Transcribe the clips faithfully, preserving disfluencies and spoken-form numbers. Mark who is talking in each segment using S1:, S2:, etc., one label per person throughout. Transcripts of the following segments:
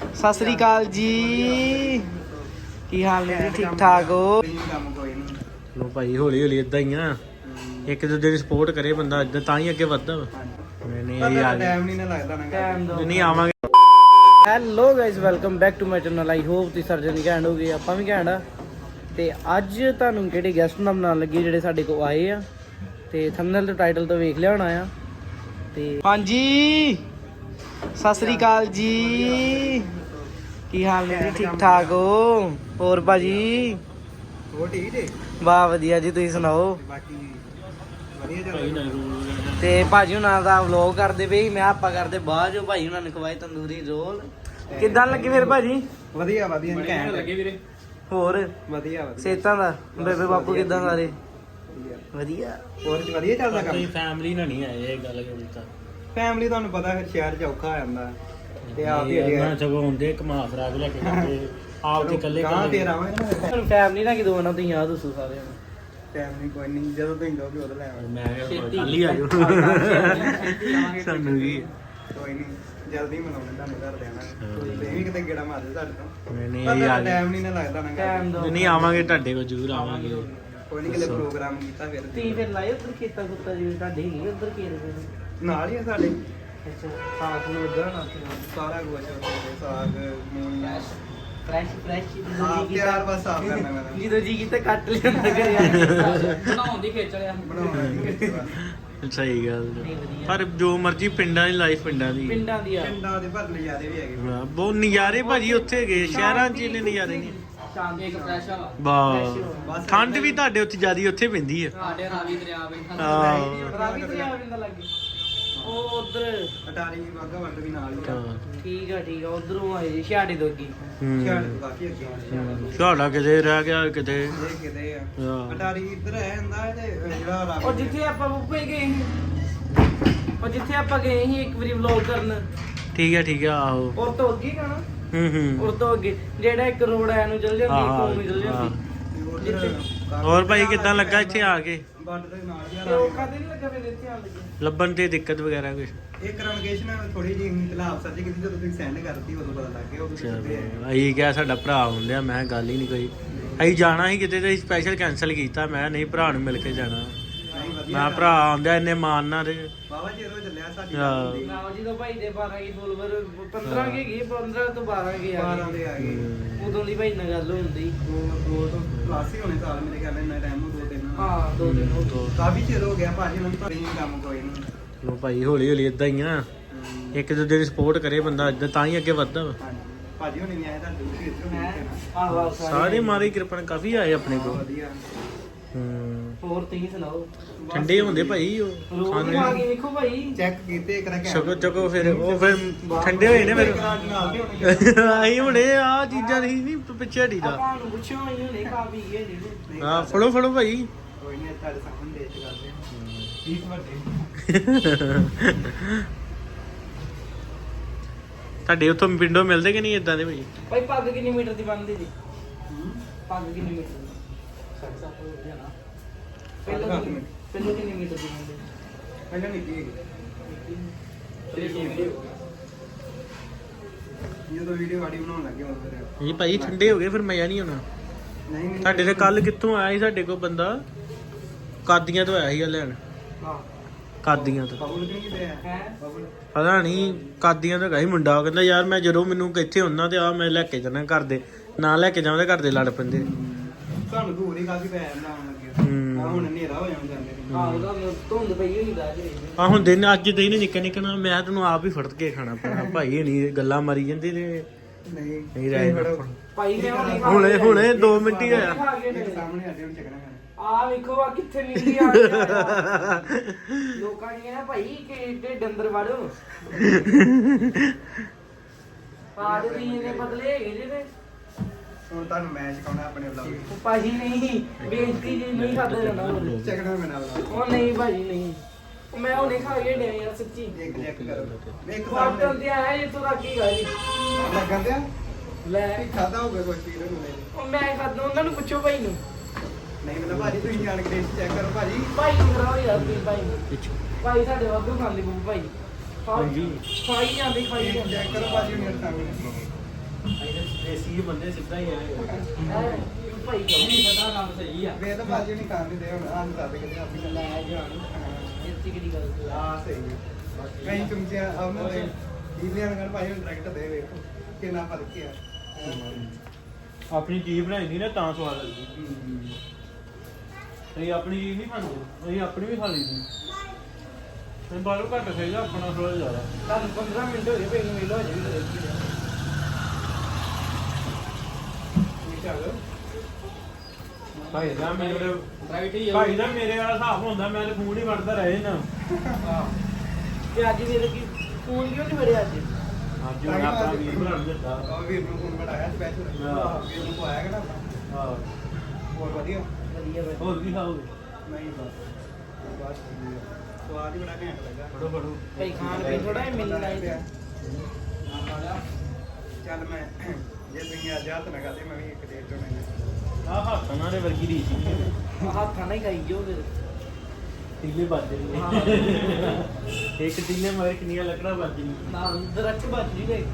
S1: ਸਤਿ ਸ੍ਰੀ ਅਕਾਲ ਜੀ। ਕੀ ਹਾਲ ਨੇ ਜੀ? ਠੀਕ ਠਾਕ ਹੋ? ਲੋ ਭਾਈ ਹੌਲੀ ਹੌਲੀ ਇਦਾਂ ਹੀ ਆ, ਇੱਕ ਦੂਜੇ ਦੀ ਸਪੋਰਟ ਕਰੇ ਬੰਦਾ ਇਦਾਂ ਤਾਂ ਹੀ ਅੱਗੇ ਵੱਧਦਾ ਵਾ। ਨਹੀਂ ਇਹ ਆ ਟਾਈਮ ਨਹੀਂ ਨਾ ਲੱਗਦਾ ਨਾ ਟਾਈਮ ਦੋ ਨਹੀਂ ਆਵਾਂਗੇ। Hello guys, welcome back to my channel. I hope ਤੁਸੀਂ ਸਰਜਨ ਘੈਂਟ ਹੋ ਗਏ, ਆਪਾਂ ਵੀ ਘੈਂਟ ਆ। ਤੇ ਅੱਜ ਤੁਹਾਨੂੰ ਕਿਹੜੇ ਗੈਸਟ ਨਾਲ ਬਣਾਉਣ ਲੱਗੇ ਜਿਹੜੇ ਸਾਡੇ ਕੋਲ ਆਏ ਆ, ਤੇ ਥੰਬਨੇਲ ਤੇ ਟਾਈਟਲ ਤੋਂ ਵੇਖ ਲਿਆ ਹੋਣਾ ਆ। ਤੇ ਹਾਂਜੀ ਸਤਿ ਸ੍ਰੀ ਅਕਾਲ ਜੀ। ਕੀ ਹਾਲ ਨੇ ਜੀ? ਠੀਕ ਠਾਕ ਹੋ? ਹੋਰ ਭਾਜੀ ਹੋ ਠੀਕ ਜੀ? ਵਾਹ ਵਧੀਆ ਜੀ, ਤੁਸੀਂ ਸੁਣਾਓ? ਬਾਕੀ ਵਧੀਆ ਚੱਲ। ਤੇ ਭਾਜੀ ਹੁਣਾਂ ਦਾ ਵਲੌਗ ਕਰਦੇ ਪਏ, ਮੈਂ ਆਪਾਂ ਕਰਦੇ ਬਾਅਦ ਜੋ। ਭਾਈ ਹੁਣਾਂ ਨੇ ਖਵਾਏ ਤੰਦੂਰੀ ਰੋਲ। ਕਿੱਦਾਂ ਲੱਗੇ ਫਿਰ ਭਾਜੀ? ਵਧੀਆ ਵਧੀਆ ਘੈਂਟ ਲੱਗੇ ਵੀਰੇ। ਹੋਰ ਵਧੀਆ ਵਧੀਆ ਸੇਤਾਂ ਦਾ ਬੇਬੇ ਬਾਪੂ ਕਿੱਦਾਂ? ਸਾਰੇ ਵਧੀਆ। ਹੋਰ ਵਧੀਆ ਚੱਲਦਾ ਕੰਮ? ਫੈਮਿਲੀ ਨਾਲ ਨਹੀਂ ਆਏ, ਇਹ ਗੱਲ ਕਰਦਾ। ਫੈਮਿਲੀ ਤੁਹਾਨੂੰ ਪਤਾ ਫਿਰ ਸ਼ਹਿਰ ਚ ਔਖਾ ਆ ਜਾਂਦਾ, ਤੇ ਆਪ ਹੀ ਨਾ ਸਗੋਂ ਹੁੰਦੇ ਘੁਮਾ ਫਰਾ ਕੇ ਲੈ ਕੇ ਜਾਂਦੇ, ਆਪ ਤੇ ਇਕੱਲੇ ਕਹਾਂ ਫੇਰ ਆਵਾਂਗੇ। ਤੁਹਾਨੂੰ ਫੈਮਿਲੀ ਨਾਲ ਕਿਦੋਂ ਆਉਣਾ? ਤੁਸੀਂ ਆ ਦੱਸੋ ਸਾਰਿਆਂ ਨੂੰ। ਟਾਈਮ ਨਹੀਂ ਕੋਈ ਨਹੀਂ, ਜਦੋਂ ਤੁਸੀਂ ਕਹੋਗੇ ਉਦੋਂ ਲੈ ਆਵਾਂਗੇ। ਮੈਂ ਕੱਲ ਹੀ ਆ ਜਾਓ ਸਾਨੂੰ ਵੀ ਕੋਈ ਨਹੀਂ, ਜਲਦੀ ਮਨਾਉਣੇ ਤੁਹਾਨੂੰ ਘਰ ਦੇ ਆਣਾ। ਤੁਸੀਂ ਵੀ ਕਿਤੇ ਗੇੜਾ ਮਾਰਦੇ ਸਾਡੇ ਤੋਂ। ਨਹੀਂ ਨਹੀਂ ਯਾਰ ਟਾਈਮ ਨਹੀਂ ਨਾ ਲੱਗਦਾ ਨਾ। ਟਾਈਮ ਦੋ ਨਹੀਂ ਆਵਾਂਗੇ, ਤੁਹਾਡੇ ਕੋਲ ਜ਼ਰੂਰ ਆਵਾਂਗੇ। ਕੋਈ ਨਹੀਂ, ਕਿਤੇ ਪ੍ਰੋਗਰਾਮ ਕੀਤਾ ਫਿਰ ਤੁਸੀਂ ਫਿਰ ਲਾਏ ਉੱਧਰ ਖੇਤਾਂ ਖੁੱਤਾ ਜਿਵੇਂ ਤੁਹਾਡੇ ਹੈਗੇ ਉੱਧਰ ਖੇਤ ਨਾਲ ਹੀ ਆ ਸਾਡੇ। ਅੱਛਾ ਸਾਗ ਨੂੰ ਉੱਧਰ ਨਾ ਸਾਰਾ ਕੁਝ ਸਾਗ ਮੂੰਹ ਫਰੈਸ਼ ਫਰੈਸ਼ ਹਾਂ ਤਿਆਰ ਬਸ ਸਾਫ ਕਰਨਾ ਮੈਂ ਜਦੋਂ ਜੀ ਕੀਤਾ ਕੱਟ ਲਿਆਂਦਾ ਘਰੇ ਆ ਬਣਾਉਣ ਦੀ ਖੇਚਲਿਆ ਬਣਾਉਣ ਦੀ ਖੇਚਲਿਆ। ਸਹੀ ਗੱਲ, ਪਰ ਜੋ ਮਰਜੀ ਪਿੰਡਾਂ ਦੀ ਲਾਈਫ ਪਿੰਡਾਂ ਦੀ ਪਿੰਡਾਂ ਦੀ ਆ ਪਿੰਡਾਂ ਦੇ ਪਰ ਨਜ਼ਾਰੇ ਵੀ ਹੈਗੇ ਬਹੁਤ ਨਜ਼ਾਰੇ ਭਾਜੀ। ਉੱਥੇ ਗਏ ਸ਼ਹਿਰਾਂ 'ਚ ਇਹਨੇ ਨਜ਼ਾਰੇ ਨਹੀਂ। ਸ਼ਾਂਤੀ ਇੱਕ ਫਰੈਸ਼ ਹਵਾ ਬਸ। ਠੰਡ ਵੀ ਤੁਹਾਡੇ ਉੱਥੇ ਜ਼ਿਆਦੀ ਉੱਥੇ ਪੈਂਦੀ ਆ। ਸਾਡੇ ਰਾਵੀ ਦਰਿਆ ਪੈਂਦਾ। ਹਾਂ ਰਾਵੀ ਦਰਿਆ ਪੈਂਦਾ ਲੱਗੇ ਉਹ ਉਧਰ ਅਟਾਰੀ ਬਾਗਾ ਵੰਡ ਵੀ ਨਾਲ ਹੀ ਆ। ਠੀਕ ਆ ਠੀਕ ਆ, ਉਧਰੋਂ ਆਏ ਜੀ ਛਿਆੜੇ ਤੋਂ ਅੱਗੇ। ਛਿਆੜੇ ਤੋਂ ਕਾਫੀ ਅੱਗੇ। ਛਿਆੜਾ ਕਿਤੇ ਰਹਿ ਗਿਆ ਕਿਤੇ ਕਿਤੇ ਆ। ਅਟਾਰੀ ਇੱਧਰ ਹੈ ਹੁੰਦਾ ਤੇ ਜਿਹੜਾ ਰਾਵੀ ਉਹ ਜਿੱਥੇ ਆਪਾਂ ਬੁੱਪੇ ਗਏ ਸੀ, ਉਹ ਜਿੱਥੇ ਆਪਾਂ ਗਏ ਸੀ ਇੱਕ ਵਾਰੀ ਵਲੌਗ ਕਰਨ। ਠੀਕ ਆ ਠੀਕ ਆ ਆਹੋ। ਉਹ ਤੋਂ ਅੱਗੇ ਕਹਣਾ ਹੂੰ ਹੂੰ ਉਹ ਤੋਂ ਅੱਗੇ ਜਿਹੜਾ ਇੱਕ ਰੋਡ ਆਇਆ ਨੂੰ ਚੱਲ ਜਾਂਦੀ ਕੋਲ ਨੂੰ ਚੱਲ ਜਾਂਦੀ। ਹੋਰ ਭਾਈ ਕਿੱਦਾਂ ਲੱਗਾ ਇੱਥੇ ਆ ਕੇ? ਬੰਦ ਦੇ ਨਾਲ ਯਾਰ ਉਹ ਕਦੇ ਨਹੀਂ ਲੱਗਾ ਫਿਰ ਇੱਥੇ ਆਣ ਲੱਗੇ ਲੱਭਣ ਤੇ ਦਿੱਕਤ ਵਗੈਰਾ ਕੁਝ? ਇਹ ਕਨਵਰਸੇਸ਼ਨ ਥੋੜੀ ਜਿਹੀ ਇਤਲਾਫ ਸਰਜੀ ਕੀਤੀ, ਜਦੋਂ ਤੁਸੀਂ ਸੈਂਡ ਕਰਤੀ ਉਦੋਂ ਪਤਾ ਲੱਗ ਗਿਆ। ਉਦੋਂ ਸਿੱਧੇ ਅਸੀਂ ਕਿਹਾ ਸਾਡਾ ਭਰਾ ਹੁੰਦਿਆ, ਮੈਂ ਗੱਲ ਹੀ ਨਹੀਂ ਕੋਈ। ਅਸੀਂ ਜਾਣਾ ਸੀ ਕਿਤੇ ਤੇ ਸਪੈਸ਼ਲ ਕੈਂਸਲ ਕੀਤਾ। ਮੈਂ ਨਹੀਂ ਭਰਾ ਨੂੰ ਮਿਲ ਕੇ ਜਾਣਾ। ਮੈਂ ਭਰਾ ਆਉਂਦਾ ਇੰਨੇ ਮਾਨਨਾ ਤੇ ਬਾਬਾ ਜੀ ਰੋ ਚੱਲਿਆ ਸਾਡੀ ਨਾ ਜੀ ਤੋਂ ਭਾਈ ਦੇ ਬਾਰਾਂ ਕੀ ਫੋਲੋਵਰ ਪੰਦਰਾਂ ਕੇ ਗਏ, ਪੰਦਰਾਂ ਤੋਂ ਬਾਰਾਂ ਕੇ ਆ ਗਏ ਆ ਗਏ। ਉਦੋਂ ਦੀ ਭਾਈ ਨਾਲ ਗੱਲ ਹੁੰਦੀ ਦੋ ਦੋ ਤੋਂ ਕਲਾਸ ਹੀ ਹੋਣੇ ਸਾਲ ਮੇਰੇ ਖਿਆਲ ਇੰਨਾ ਟਾਈਮ ਦੋ ਤਿੰਨ ਹਾਂ ਦੋ ਦਿਨ ਹੋ ਕਾਫੀ ਚਿਰ ਹੋ ਗਿਆ ਭਾਜੀ। ਮੈਨੂੰ ਤਾਂ ਕੰਮ ਕੋਈ ਨਹੀਂ। ਲੋ ਭਾਈ ਹੌਲੀ ਹੌਲੀ ਇਦਾਂ ਹੀ ਆ, ਇੱਕ ਦੂਜੇ ਦੀ ਸਪੋਰਟ ਕਰੇ ਬੰਦਾ ਇਦਾਂ ਤਾਂ ਹੀ ਅੱਗੇ ਵੱਧਦਾ ਵਾ। ਭਾਜੀ ਹੁਣੇ ਵੀ ਆਏ ਤਾਂ ਦੂਸਰੀ ਇੱਧਰੋਂ ਸਾਰੇ ਮਾਰੀ ਕਿਰਪਨ ਕਾਫੀ ਆਏ ਆਪਣੇ ਕੋਲ। ਵਧੀਆ ਹੂੰ ਹੋਰ ਤੁਸੀਂ ਸੁਣਾਓ? ਠੰਡੇ ਹੁੰਦੇ ਭਾਈ ਉਹ ਖਾਣੇ ਆ ਕੇ ਵੇਖੋ ਭਾਈ ਚੈੱਕ ਕੀਤੇ ਇੱਕ ਨਾ ਚਕੋ ਚਕੋ ਫਿਰ ਉਹ ਫਿਰ ਠੰਡੇ ਹੋਏ ਨੇ ਫਿਰ ਆਈ ਹੁਣੇ ਆ ਚੀਜ਼ਾਂ ਨਹੀਂ ਨਹੀਂ ਪਿੱਛੇ ਹਟੀ ਦਾ ਆਪਾਂ ਨੂੰ ਪੁੱਛੋ ਆਈ ਹੁਣੇ ਖਾ ਪੀ ਗਏ ਨੇ। ਹਾਂ ਫੜੋ ਫੜੋ ਭਾਈ ਕੋਈ ਨਹੀਂ ਤੁਹਾਡੇ ਸਾਹਮਣੇ ਦੇਖ ਕਰਦੇ ਹਾਂ ਠੀਕ ਵੱਡੇ ਤੁਹਾਡੇ ਉੱਥੋਂ ਪਿੰਡੋਂ ਮਿਲਦੇ ਕਿ ਨਹੀਂ ਇਦਾਂ ਦੇ ਭਾਈ? ਭਾਈ ਪੱਗ ਕਿੰਨੀ ਮੀਟਰ ਦੀ ਬਣਦੀ ਜੀ? ਪੱਗ ਕਿੰਨੀ ਮੀਟਰ ਦੀ? ਪਹਿਲਾਂ ਪਹਿਲਾਂ ਕਿੰਨੀ ਮੀਟਰ ਦੀ ਬਣਦੀ? ਪਹਿਲਾਂ ਨਿੱਕੀ ਜਦੋਂ ਵੀਡੀਓ ਵਾੜੀ ਬਣਾਉਣ ਲੱਗੇ ਉਦੋਂ ਇਹ ਭਾਈ ਠੰਡੇ ਹੋ ਗਏ ਫਿਰ ਮਜ਼ਾ ਨਹੀਂ ਆਉਣਾ। ਨਹੀਂ ਤੁਹਾਡੇ ਤੇ ਕੱਲ ਕਿੱਥੋਂ ਆਇਆ ਸੀ ਸਾਡੇ ਕੋਲ ਬੰਦਾ? ਕਾਦੀਆਂ ਤੋਂ ਆਇਆ ਸੀ ਲੈਣ। ਹਾਂ ਕਾਦੀਆਂ ਤੋਂ ਪਤਾ ਨਹੀਂ ਕਾਦੀਆਂ ਤੋਂ ਗਈ ਮੁੰਡਾ। ਉਹ ਕਹਿੰਦਾ ਯਾਰ ਮੈਂ ਜਦੋਂ ਮੈਨੂੰ ਕਿੱਥੇ ਹੁੰਦਾ ਤੇ ਆ ਮੈਂ ਲੈ ਕੇ ਜਾਣਾ, ਘਰ ਦੇ ਨਾ ਲੈ ਕੇ ਜਾਵਾਂ ਤੇ ਘਰ ਦੇ ਲੜ ਪੈਂਦੇ। ਤੁਹਾਨੂੰ ਦੂਰ ਹੀ ਕਾਫੀ ਪੈ ਜਾਂਦਾ ਆ ਹੁਣ ਹਨੇਰਾ ਹੋ ਜਾਂਦਾ ਜਾਂਦੇ। ਹਾਂ ਉਹਦਾ ਧੁੰਦ ਪਈ ਹੋਈ ਦਾ ਜੀ। ਆ ਹੁਣ ਦਿਨ ਅੱਜ ਦਿਨ ਨਿੱਕਾ ਨਿੱਕਾ ਮੈਂ ਤੈਨੂੰ ਆਪ ਹੀ ਫੜ ਕੇ ਖਾਣਾ ਪੈਣਾ ਭਾਈ। ਨਹੀਂ ਗੱਲਾਂ ਮਾਰੀ ਜਾਂਦੀ ਤੇ ਨਹੀਂ ਨਹੀਂ ਰਹਿ ਭਾਈ। ਹੁਣੇ ਹੁਣੇ ਦੋ ਮਿੰਟ ਹੀ ਹੋਇਆ ਸਾਹਮਣੇ ਆਡੇ ਹੁਣ ਚੱਕਣਾ ਆ ਵੇਖੋ ਆ ਕਿੱਥੇ ਨਿਕਲੀ ਆ ਲੋਕਾਂ ਨੇ ਨਾ ਭਾਈ ਕਿ ਢਿੱਡ ਅੰਦਰ ਵੜੋ ਪਾੜ ਦੀ ਇਹਨੇ ਬਦਲੇ ਹੈਗੇ ਜਿਹਦੇ ਹੁਣ ਤੁਹਾਨੂੰ ਮੈਚ ਕਰਾਉਣਾ ਆਪਣੇ ਵਲੌਗ ਭਾਜੀ। ਨਹੀਂ ਬੇਇੱਜ਼ਤੀ ਜੀ ਨਹੀਂ ਖਾਦਾ ਜਾਂਦਾ ਚੱਕਣਾ ਮੈਨਾਂ ਵਲੌਗ ਉਹ ਨਹੀਂ ਭਾਜੀ ਨਹੀਂ ਮੈਂ ਹੁਣੇ ਖਾ ਕੇ ਡਿਆ ਯਾਰ ਸੱਚੀ। ਇੱਕ ਚੈੱਕ ਕਰੋ ਇੱਕ ਸਾਹਮਣੇ ਤੇ ਆਇਆ ਇਹ ਤੋਂ ਰੱਖੀ ਗਾ ਜੀ ਲੱਗਣ ਦਿਆ ਲੈ ਖਾਦਾ ਹੋਵੇ ਕੋਈ ਚੀਜ਼ ਨੂੰ ਉਹ ਮੈਂ ਖਾਦਾ। ਉਹਨਾਂ ਨੂੰ ਪੁੱਛੋ ਭਾਈ ਨੂੰ। ਨਹੀਂ ਮਤਲਬ ਭਾਜੀ ਤੁਸੀਂ ਜਾਣ ਕੇ ਚੈੱਕ ਕਰੋ ਭਾਜੀ। ਭਾਈ ਨੂੰ ਕਰਾਓ ਯਾਰ ਤੁਸੀਂ ਭਾਈ ਨੂੰ। ਭਾਈ ਸਾਡੇ ਵਾਧੂ ਖਾਂਦੇ ਬੂ ਭਾਈ ਹਾਂਜੀ ਖਾਈ ਜਾਂਦੇ ਖਾਈ ਜਾਂਦੇ ਚੈੱਕ ਕਰੋ ਭਾਜੀ ਮੇਰੇ ਸਾਹਮਣੇ ਇਹਦੇ ਦੇਸੀ ਬੰਦੇ ਸਿੱਧਾ ਹੀ ਆਏ
S2: ਭਾਈ ਨਹੀਂ ਪਤਾ ਕੰਮ ਸਹੀ ਆ
S3: ਵੇ ਤਾਂ ਬਾਜੀ ਨਹੀਂ ਖਾਣ ਦਿੰਦੇ ਹੁਣ ਆਂ ਦੱਸ ਕਿਤੇ ਆਪਣੀ
S2: ਲੈ ਜਾਣ ਇੱਥੇ ਕਿਹੜੀ ਗੱਲ
S3: ਆ ਸਹੀ ਹੈ ਕਈ ਚੁੰਮਚੇ ਉਹਨਾਂ ਦੇ ਈਲੀਆਂ ਨਾਲ ਭਾਈ ਹੁਣ ਡਾਇਰੈਕਟ ਦੇ ਵੇਖੋ ਕਿੰਨਾ ਫਰਕ ਹੈ
S1: ਆਪਣੀ ਚੀਜ਼ ਬਣਾਈ ਦੀ ਨਾ ਤਾਂ ਸਵਾਦ ਲੱਗਦੀ ਇਹ ਆਪਣੀ ਚੀਜ਼ ਨਹੀਂ ਖਾਂਦੇ ਅਸੀਂ ਆਪਣੀ ਵੀ ਖਾ ਲਈਦੀ ਤੇ ਬਾਹਰੋਂ ਘੱਟ ਖਾਈਦਾ ਆਪਣਾ ਥੋੜਾ ਜ਼ਿਆਦਾ
S2: ਤੁਹਾਨੂੰ ਪੰਦਰਾਂ ਮਿੰਟ ਹੋ ਗਏ ਪਈ ਨੂੰ ਮਿਲੋ ਹਜੇ ਵੀ
S1: ਭਾਈ ਦਾ ਮੇਰੇ
S2: ਰਾਈਟ ਹੀ
S1: ਭਾਈ ਦਾ ਮੇਰੇ ਵਾਲਾ ਹਿਸਾਬ ਹੁੰਦਾ ਮੈਂ ਤੇ ਫੋਨ ਹੀ ਵੜਦਾ ਰਹੇ ਨਾ
S2: ਤੇ ਅੱਜ ਮੇਰੇ ਕੀ ਫੋਨ ਕਿਉਂ ਨਹੀਂ ਵੜਿਆ ਅੱਜ
S1: ਅੱਜ ਹੁਣ ਆਪਣਾ ਵੀਰ ਬਣਾ ਦਿੱਤਾ
S3: ਉਹ ਵੀਰ ਨੂੰ ਫੋਨ ਬਣਾਇਆ ਸਪੈਸ਼ਲ
S1: ਹਾਂ।
S3: ਵੀਰ ਨੂੰ ਆਇਆ ਕਿ ਨਾ
S1: ਹਾਂ
S3: ਹੋਰ ਵਧੀਆ
S2: ਵਧੀਆ ਵਧੀਆ
S1: ਹੋਰ ਕੀ ਖਾਓਗੇ
S3: ਨਹੀਂ ਬਸ ਬਸ ਠੀਕ ਹੈ। ਸਵਾਦ ਹੀ ਬੜਾ ਘੈਂਟ ਲੱਗਾ
S1: ਫੜੋ ਫੜੋ
S2: ਭਾਈ ਖਾਣ ਪੀਣ ਥੋੜਾ ਮਿਲਣਾ ਚਾਹੀਦਾ
S3: ਚੱਲ ਮੈਂ ਜੇ ਤੁਸੀਂ ਅੱਜ ਹੱਥ ਨਾ ਕਰਦੇ ਮੈਂ ਵੀ ਇੱਕ ਡੇਢ ਤੋਂ ਨਹੀਂ
S1: ਆਹ ਹੱਥਾਂ ਦੇ ਵਰਗੀ ਰੀਸ ਨਹੀਂ
S2: ਹੱਥਾਂ ਨਾਲ ਹੀ ਖਾਈ ਜਾਓ ਫਿਰ
S1: ਟੀਲੇ ਵੱਜ ਰਹੇ ਇੱਕ ਟੀਲੇ ਮਗਰ ਕਿੰਨੀਆਂ ਲੱਕੜਾਂ ਵੱਜ ਰਹੀਆਂ
S2: ਨਾਲ ਦਰਖਤ ਬਚ ਜੀ ਗਏ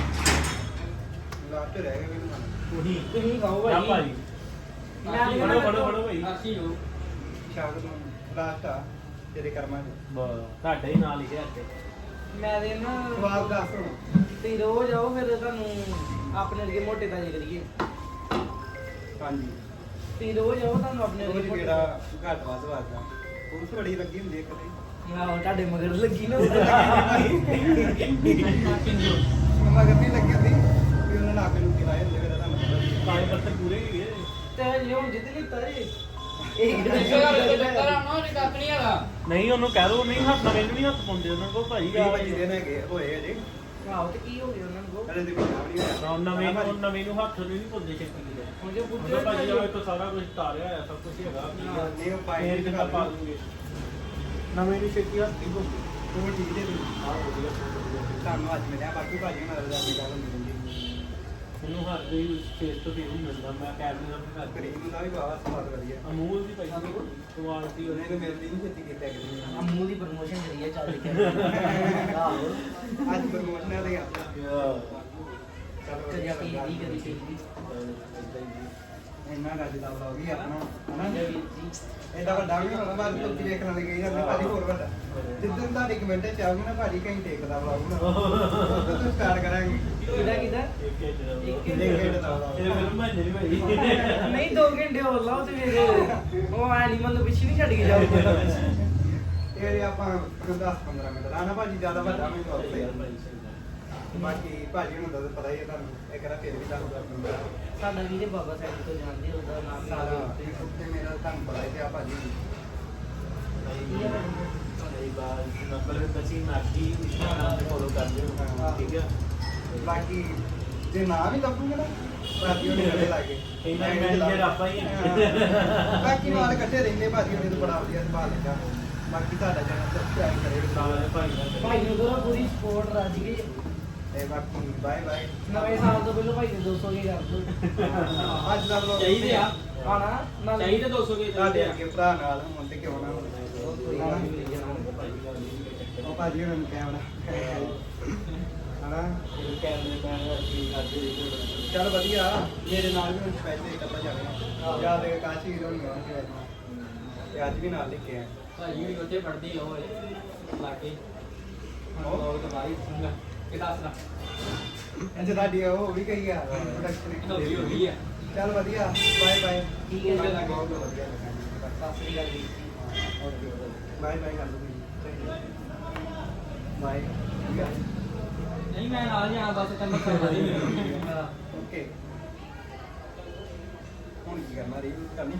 S3: ਲਾਸਟ ਰਹਿ ਗਿਆ ਮੈਨੂੰ
S1: ਉਹੀ
S2: ਤੁਸੀਂ ਖਾਓ
S1: ਜਾ
S2: ਭਾਈ
S1: ਭਾਈ
S2: ਮੈਂ ਨਹੀਂ
S1: ਫੜੋ ਫੜੋ ਫੜੋ ਭਾਈ
S2: ਅਸੀਂ ਹੋ
S3: ਸ਼ਾਗਰ ਨੂੰ ਲਾਸਟ ਆ ਤੇਰੇ ਕਰਮਾਂ ਚ
S1: ਬਸ ਤੁਹਾਡੇ ਹੀ ਨਾਲ ਲਿਖਿਆ ਇੱਥੇ
S2: ਮੈਂ ਦੇ ਨਾ
S3: ਸਵਾਦ ਦੱਸ ਹੁਣ
S2: ਤੇ ਰੋਜ਼ ਆਓ ਫਿਰ ਤੁਹਾਨੂੰ ਆਪਣੇ ਵਰਗੇ ਮੋਟੇ ਤਾਂ ਕਰੀਏ
S3: ਹਾਂਜੀ
S2: ਤੇ ਰੋਜ਼ ਆਓ ਤੁਹਾਨੂੰ ਆਪਣੇ
S3: ਉਹ
S2: ਵਰਗੇ ਮੋਟੇ
S3: ਜਿਹੜਾ ਘੱਟ ਵੱਧ ਵਾਦਾ ਪੁਲਿਸ ਬੜੀ ਲੱਗੀ ਹੁੰਦੀ ਇੱਕ ਤੇ
S2: ਆਹੋ ਤੁਹਾਡੇ ਮਗਰ ਲੱਗੀ ਨਾ
S3: ਮੰਮਾ ਕਰਨੀ ਲੱਗੀ ਹੁੰਦੀ ਵੀ ਉਹਨਾਂ ਨੇ ਆਪੇ ਲੁੱਟੀ ਲਾਏ ਹੁੰਦੇ ਫਿਰ ਤੁਹਾਨੂੰ ਪਤਾ
S1: ਕਾਲੇ ਪੱਤਰ ਪੂਰੇ ਹੀ ਗਏ
S2: ਤੇ ਜੇ ਹੁਣ ਜਿੱਦ ਲਿੱਤਾ ਜੀ ਇਹ
S1: ਨਹੀਂ ਉਹਨੂੰ ਕਹਿ ਦੋ ਨਹੀਂ ਹੱਥ ਨਾਲ ਮੈਨੂੰ ਨਹੀਂ ਹੱਥ ਪਾਉਂਦੇ ਉਹਨਾਂ ਕੋਲ ਭਾਈ
S3: ਵੀਹ ਪੱਚੀ ਦਿਨ ਹੈਗੇ ਹੋਏ ਅਜੇ
S2: ਆਹੋ ਤੇ ਕੀ ਹੋ ਗਿਆ ਉਹਨਾਂ ਨੂੰ
S3: ਹਲੇ ਤੇ ਮਹੀਨਾ ਵੀ ਨਹੀਂ ਹੋਇਆ
S1: ਨਾ ਨਵੇਂ ਨੂੰ ਨਵੇਂ ਨੂੰ ਹੱਥ ਨਹੀਂ ਪਾਉਂਦੇ ਛੇਤੀ ਕਿਤੇ
S2: ਹੁਣ ਜੇ ਪੁੱਛੇ
S1: ਉਹਦਾ ਭਾਜੀ ਆ ਤੋਂ ਸਾਰਾ ਕੁਝ ਤਾਰਿਆ ਹੋਇਆ ਸਭ ਕੁਝ ਹੈਗਾ
S3: ਨਹੀਂ ਉਹ ਪਾਈ
S1: ਫੇਰ
S3: ਨਹੀਂ
S1: ਕਿਤਾ ਪਾ ਦੂੰਗੇ ਨਵੇਂ ਨੂੰ ਛੇਤੀ ਹੱਥ ਹੀ ਪਾਉਂਦੇ
S3: ਉਹ ਠੀਕ ਜੇ
S1: ਆਹ ਵਧੀਆ
S3: ਤੁਹਾਨੂੰ ਅੱਜ ਮਿਲਿਆ ਬਾਕੀ ਭਾਜੀ ਨਾਲ ਦਾ ਆਪਣੀ ਗੱਲ ਹੁੰਦੀ ਰਹਿੰਦੀ
S1: ਮੈਨੂੰ ਹੱਥ ਦੇ ਫੇਸ ਤੋਂ ਫੇਸ ਹੀ ਮਿਲਦਾ ਮੈਂ ਕੈਮਰੇ ਨਾਲ ਵੀ ਕਰ
S3: ਕਰੀਮ ਦਾ ਵੀ ਬਾਵਾ ਸਵਾਦ ਵਧੀਆ
S1: ਅਮੂਲ ਦੀ ਭਾਈ ਕੁਆਲਿਟੀ
S3: ਉਹਨੇ ਤਾਂ ਮੇਰੇ ਲਈ ਨਹੀਂ ਛੇਤੀ ਕੀਤਾ ਕਿਤੇ
S2: ਅਮੂ ਦੀ ਪ੍ਰਮੋਸ਼ਨ ਕਰੀ ਹੈ ਚੱਲ ਕੇ ਆਹੋ
S3: ਅੱਜ ਪ੍ਰਮੋਸ਼ਨ ਹੈ ਤੇ ਆਪਣਾ ਚਲੋ
S2: ਕਦੀ
S3: ਵਧੀਆ
S2: ਪੀ
S3: ਲੱਗਾ।
S2: ਦੀ ਕਦੀ ਪੀ ਦੀ
S3: ਇੰਨਾ ਗੱਜ ਦਾ ਵਲੌਗ ਹੀ ਆਪਣਾ ਹਨਾ
S2: ਹਾਂਜੀ ਵੀਰ ਜੀ
S3: ਐਡਾ ਵੱਡਾ ਵੀ ਨਹੀਂ ਹੋਣਾ ਬਾਅਦ ਵਿੱਚ ਵੇਖਣ ਵਾਲੇ ਕਹੀ ਜਾਂਦੇ ਭਾਜੀ ਹੋਰ ਵੱਡਾ ਜਿੱਦਣ ਤੁਹਾਡੇ ਕਮੈਂਟ ਚ ਆਉਗੀ ਨਾ ਭਾਜੀ ਕਹੀਂ ਟੇਕ ਦਾ ਵਲੌਗ ਬਣਾ ਉਦੋਂ ਤੋਂ ਸਟਾਰਟ ਕਰਾਂਗੇ
S2: ਕਿਹਦਾ ਕਿਹਦਾ
S1: ਇੱਕ ਇੱਕ
S2: ਇੱਕ
S3: ਕਿੰਨੇ ਘੰਟੇ ਦਾ ਵਲੌਗ
S1: ਇਹ ਫਿਲਮ ਮੈਂ ਨਹੀਂ ਭਾਈ
S2: ਨਹੀਂ ਦੋ ਘੰਟੇ ਹੋਰ ਲਾਓ ਤੇ ਫਿਰ ਉਹ ਐਨੀਮਲ ਨੂੰ ਪਿੱਛੇ ਨਹੀਂ ਛੱਡ ਕੇ ਜਾਓਗੇ
S3: ਇਹ ਆਪਾਂ ਦਸ ਪੰਦਰਾਂ ਮਿੰਟ ਲਾਣਾ ਭਾਜੀ ਜ਼ਿਆਦਾ ਵੱਡਾ ਨਹੀਂ ਹੁੰਦਾ ਬਾਕੀ ਭਾਜੀ ਨੂੰ ਤਾਂ ਪਤਾ ਹੀ ਹੈ ਤੁਹਾਨੂੰ ਇਹ ਕਰਾ ਫਿਰ ਵੀ ਤੁਹਾਨੂੰ ਦੱਸ
S2: ਸਾਡਾ ਵੀਰੇ ਬਾਬਾ ਸਾਹਿਬ ਤੋਂ ਜਾਣਦੇ ਉਹਦਾ ਨਾਮ
S3: ਸਾਰਾ
S2: ਸਾਰਾ
S3: ਤੇ ਮੇਰਾ ਤੁਹਾਨੂੰ ਪਤਾ ਹੀ ਆ ਭਾਜੀ
S1: ਮੇਰੀ ਬਾਤ ਨੰਬਰ ਵਿੱਚ ਅਸੀਂ ਨਾਕੀ ਇੰਸਟਾਗ੍ਰਾਮ ਤੇ ਫੋਲੋ ਕਰਦੇ ਹੋ ਠੀਕ ਹੈ
S3: ਬਾਕੀ ਜੇ ਨਾ ਵੀ ਲੱਭੂਗੇ ਨਾ ਭਾਜੀ ਉਹਨੇ ਬੜੇ ਲਾਗੇ
S1: ਇਹਨਾਂ ਮੈਨੇਜਰ ਆਪਾਂ ਹੀ ਹਾਂ।
S3: ਬਾਕੀ ਨਾਲ ਇਕੱਠੇ ਰਹਿੰਦੇ ਭਾਜੀ ਉਹਨੇ ਤਾਂ ਬੜਾ ਵਧੀਆ ਸੰਭਾਲ ਲਿਆ ਬਾਕੀ ਤੁਹਾਡਾ ਚੈਨਲ ਸਬਸਕ੍ਰਾਈਬ ਕਰਿਓ
S1: ਸਾਰੇ ਭਾਈ ਦਾ
S2: ਭਾਈ ਨੂੰ ਕਰੋ ਪੂਰੀ ਸਪੋਰਟ ਰੱਜ ਗਈ
S3: ਤੇ ਬਾਕੀ ਬਾਏ ਬਾਏ
S2: ਨਵੇਂ ਸਾਲ ਤੋਂ ਪਹਿਲਾਂ ਭਾਈ ਨੇ ਦੋ ਸੌ ਕੀ ਕਰ ਦੋ
S3: ਅੱਜ ਦਾ ਵਲੋਗ
S2: ਚਾਹੀਦੇ ਆ ਆਣਾ ਨਾਲ
S4: ਚਾਹੀਦੇ ਦੋ ਸੌ ਕੇ
S3: ਤੁਹਾਡੇ ਅੱਗੇ ਭਰਾ ਨਾਲ ਹੁਣ ਤੇ ਕਿਉਂ ਨਾ ਹੁਣ
S2: ਕੋਈ ਗੱਲ ਨਹੀਂ ਮਿਲ ਜਾਣਾ
S3: ਉਹ ਭਾਜੀ ਹੁਣ ਕੈਮਰਾ ਹਨਾ
S2: ਕੈਮਰੇ ਪੈਣ ਅਸੀਂ ਕਰਦੇ
S3: ਚੱਲ ਵਧੀਆ ਮੇਰੇ ਨਾਲ ਵੀ ਹੁਣ ਸਪੈਸ਼ਲ ਇੱਕ ਅੱਧਾ ਜਾਣਾ ਯਾਦ ਹੈ ਕਾਸ਼ੀ ਵੀਰੋਂ ਨਹੀਂ ਆਉਣਾ ਸੀ ਤੇ ਅੱਜ ਵੀ ਨਾਲ ਲੈ ਕੇ ਆਏ
S4: ਭਾਜੀ ਵੀ ਉੱਥੇ ਪੜਦੀ ਹੋਏ ਲਾ ਕੇ ਹੁਣ ਲੋਕ ਤਾਂ ਬਾਈ ਸੁਣਗਾ ਇਹ ਦੱਸਦਾ
S3: ਅੱਛਾ ਤੁਹਾਡੀ ਉਹ ਵੀ ਕਹੀ ਆ
S4: ਹੋ ਗਈ ਹੋ
S3: ਪ੍ਰੋਡਕਸ਼ਨ
S4: ਗਈ ਆ
S3: ਚੱਲ ਵਧੀਆ ਬਾਏ ਬਾਏ
S2: ਠੀਕ ਹੈ ਜੀ।
S3: ਬਹੁਤ ਵਧੀਆ ਲੱਗਾ
S2: ਸਤਿ ਸ੍ਰੀ ਅਕਾਲ ਜੀ
S3: ਬਾਏ ਬਾਏ ਕਰ ਦੋ ਬਾਏ
S4: ਨਹੀਂ ਮੈਂ ਨਾਲ ਜਾਣਾ ਬਸ ਤੈਨੂੰ ਕਰਨਾ ਨਹੀਂ ਮੈਨੂੰ
S3: ਓਕੇ ਹੁਣ ਕੀ ਕਰਨਾ ਰੀਲ ਕਰਨੀ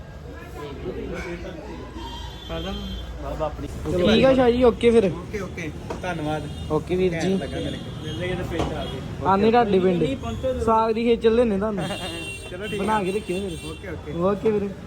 S1: ਕਦਮ ਬਾਬਾ ਆਪਣੀ
S2: ਠੀਕ ਆ ਸ਼ਾਹ ਜੀ ਓਕੇ ਫਿਰ
S3: ਓਕੇ ਓਕੇ ਧੰਨਵਾਦ
S2: ਓਕੇ ਵੀਰ ਜੀ
S3: ਲੱਗਾ ਮੇਰੇ
S1: ਮਿਲਦੇ ਕਿਤੇ ਪਿੰਡ ਆ ਗਏ
S2: ਆਨੇ ਢਾਡੀ ਪਿੰਡ ਸਾਗ ਦੀ ਖੇਚਲ ਲੈਣੇ ਤੁਹਾਨੂੰ
S3: ਚਲੋ ਠੀਕ
S2: ਬਣਾ ਕੇ ਰੱਖਿਓ ਫਿਰ
S3: ਓਕੇ ਓਕੇ
S2: ਓਕੇ ਵੀਰੇ